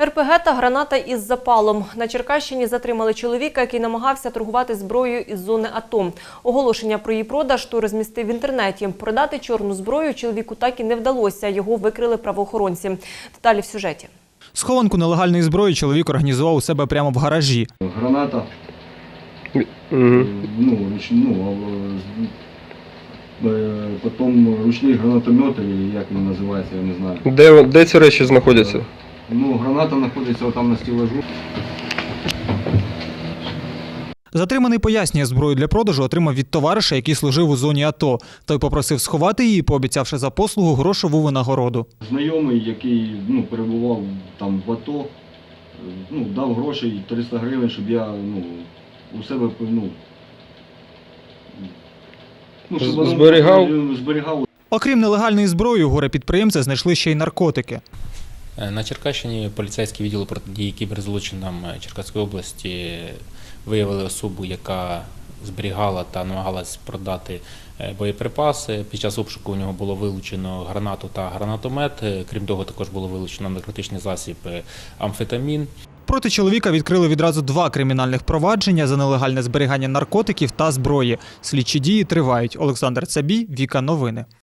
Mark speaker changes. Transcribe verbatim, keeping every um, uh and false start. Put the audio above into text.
Speaker 1: ер пе ге та граната із запалом. На Черкащині затримали чоловіка, який намагався торгувати зброєю із зони АТО. Оголошення про її продаж той розмістив в інтернеті. Продати чорну зброю чоловіку так і не вдалося. Його викрили правоохоронці. Деталі в сюжеті.
Speaker 2: Схованку нелегальної зброї чоловік організував у себе прямо в гаражі.
Speaker 3: Граната,
Speaker 4: Угу.
Speaker 3: ну, руч, ну, потім ручний гранатомет, як він називається, я не знаю.
Speaker 4: Де, де ці речі знаходяться?
Speaker 3: Ну, граната знаходиться там на стелажу.
Speaker 2: Затриманий пояснює, зброю для продажу отримав від товариша, який служив у зоні АТО. Той попросив сховати її, пообіцявши за послугу грошову винагороду.
Speaker 3: Знайомий, який ну, перебував там в АТО, ну, дав гроші триста гривень, щоб я ну, у себе ну, ну, щоб воно
Speaker 4: Зберігав?
Speaker 3: зберігав.
Speaker 2: Окрім нелегальної зброї, у горе-підприємця знайшли ще й наркотики.
Speaker 5: На Черкащині поліцейські відділи протидії кіберзлочинам Черкаської області виявили особу, яка зберігала та намагалась продати боєприпаси. Під час обшуку у нього було вилучено гранату та гранатомет. Крім того, також було вилучено наркотичний засіб амфетамін.
Speaker 2: Проти чоловіка відкрили відразу два кримінальних провадження за нелегальне зберігання наркотиків та зброї. Слідчі дії тривають. Олександр Цабій, Віка Новини.